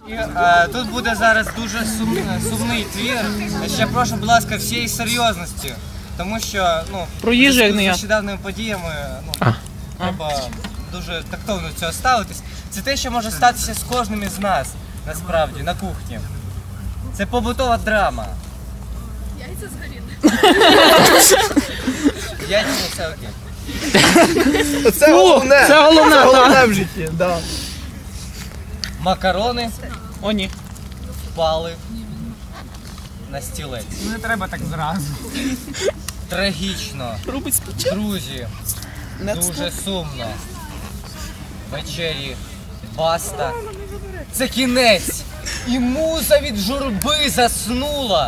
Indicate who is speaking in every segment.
Speaker 1: Тут буде зараз дуже сумний твір. Ще прошу, будь ласка, всієї серйозності. Тому що,
Speaker 2: про їжу, як не я.
Speaker 1: з нещодавними подіями, треба дуже тактовно до цього ставитись. Це те, що може статися з кожним із нас, насправді, на кухні. Це побутова драма.
Speaker 3: Яйця згоріли.
Speaker 1: Яйця, все окей.
Speaker 4: Це головне.
Speaker 2: Це головне,
Speaker 4: Це головне
Speaker 2: так.
Speaker 4: в житті, да.
Speaker 1: Макарони
Speaker 2: О, ні.
Speaker 1: впали на стілець.
Speaker 5: Не треба так зразу.
Speaker 1: Трагічно.
Speaker 2: Робить спочатку.
Speaker 1: Друзі, дуже сумно. Вечері баста. Це кінець. І муза від журби заснула.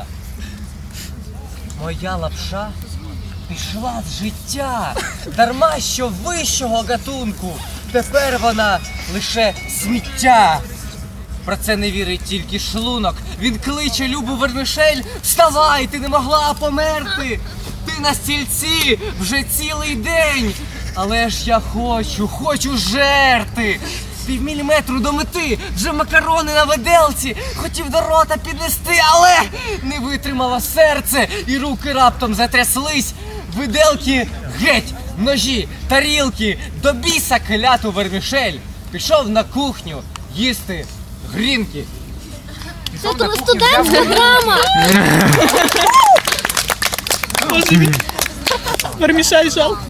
Speaker 1: Моя лапша пішла з життя. Дарма що вищого гатунку. Тепер вона лише сміття. Про це не вірить тільки шлунок. Він кличе Любу Вермішель. Вставай, ти не могла померти. Ти на стільці вже цілий день. Але ж я хочу жерти. Півміліметру до мети, вже макарони на виделці. Хотів до рота піднести, але не витримало серце. І руки раптом затряслись. Виделки геть, ножі, тарілки. До біса кляту Вермішель. Пішов на кухню їсти грінки.
Speaker 3: Це студентська драма.
Speaker 2: Вермішель жалко.